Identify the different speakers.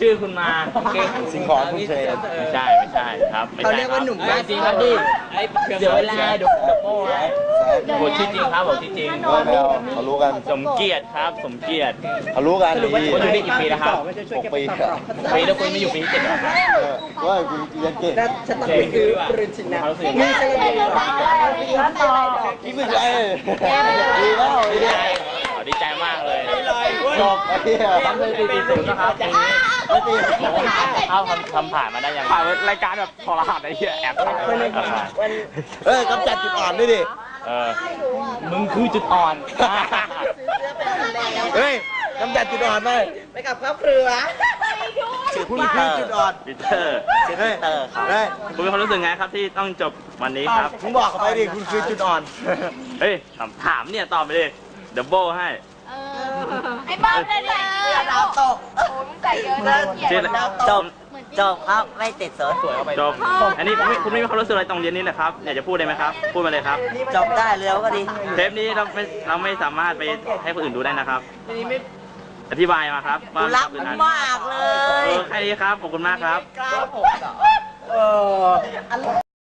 Speaker 1: ชื่อคุณมา
Speaker 2: สิ่งของคุณเชน
Speaker 1: ไม่ใช่ครับ
Speaker 3: เขาเรียกว่าหนุ่ม
Speaker 1: จริงครับดิเดี๋ยวเวลาเดี๋ยวโป้ให้ผมชื่อจริงครับผมชื่อจริง
Speaker 2: ไม่เอาเขารู้กัน
Speaker 1: สมเกียรติครับสมเกียรติ
Speaker 2: เขารู้กันดี
Speaker 1: คุณอยู่นี่กี่ปีแล้วครับ
Speaker 2: 6 ปี
Speaker 1: ปีแล้วคุณไม่อยู่ปีที่7หรอครับ
Speaker 2: ว่าคุณเรียนเก่ง
Speaker 3: แล้วฉันต้องไปซื้อปริญชินะ
Speaker 1: เขารู้สึก
Speaker 3: นี่จะยังไง
Speaker 2: คิดไม่ใจดีแล้วไอ้เนี่ย
Speaker 1: ดีใจมากเลย
Speaker 2: จบไอ้เนี่ย
Speaker 1: ทำเลยปี40นะครับปีนี้เอาทำผ่านมาได้ยังผ่านรายการแบบทรหดไอ้เหี้ยแอบถ่าย
Speaker 2: เฮ้ยกำจัดจุดอ่อนด้วยดิ
Speaker 1: มึงคือจุดอ่อน
Speaker 2: เฮ้ยกำจัดจุดอ่อนไป
Speaker 3: ไปกับครอบครัว
Speaker 2: คุณคือจุดอ่อน
Speaker 1: ปีเตอร์
Speaker 2: เฮ้ยเฮ้ย
Speaker 1: คุณมีความรู้สึกไงครับที่ต้องจบวันนี้ครับ
Speaker 2: มึงบอกเขาไปดิคุณคือจุดอ่อน
Speaker 1: เฮ้ยถามเนี่ยตอบไปเลยดับเบิลให้
Speaker 4: ไอ้บ้าเลยเนี่ย
Speaker 3: ดาวตก
Speaker 4: โอ้ยมึงใส่เยอะนะเกลียด
Speaker 1: ชื่อ
Speaker 3: ดาวตกจบครับไม่ติดสน
Speaker 1: จบอันนี้คุณไม่มีความรู้สึกอะไรตรงเรียนนี้เหรอครับอยากจะพูดได้ไหมครับพูดมาเลยครับ
Speaker 3: จบได้แล้วก็ดี
Speaker 1: เทปนี้เราไม่สามารถไปให้คนอื่นดูได้นะครับอธิบายมาครับว่า
Speaker 3: รักมากเลย
Speaker 1: แค่นี้ครับขอบคุณมากครับ
Speaker 3: กล้าผมเหรอ